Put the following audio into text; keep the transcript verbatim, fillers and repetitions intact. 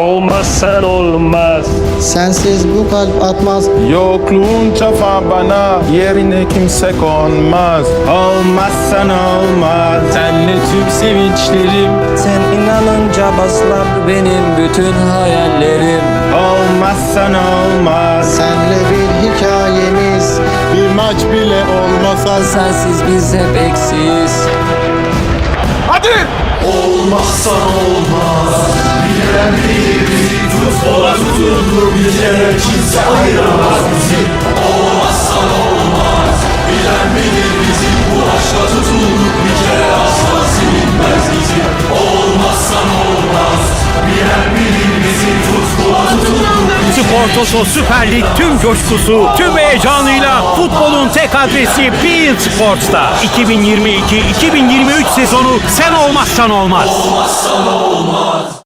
Olmazsan olmaz. Sensiz bu kalp atmaz. Yokluğun çafa bana, yerine kimse konmaz. Olmazsan olmaz. Senle tüm sevinçlerim, Sen inanınca baslar. benim bütün hayallerim. Olmazsan olmaz. Senle bir hikayemiz. Bir maç bile olmasa Sensiz biz hep eksiyiz. hadi! Olmazsan olmaz. Bilen bilir bizi, futbola tutulur bir kere, kimse ayıramaz bizi. Olmazsan olmaz. Bilen bilir bizi, bu aşka tutulur bir kere, asla silinmez bizi. Olmazsan olmaz. Bilen bilir bizi, futbola tutulur bir kere. Spor Toto Süper Lig tüm coşkusu, tüm heyecanıyla futbolun tek adresi beIN Sports'ta. iki bin yirmi iki iki bin yirmi üç sezonu sen olmazsan olmaz. Olmazsan olmaz.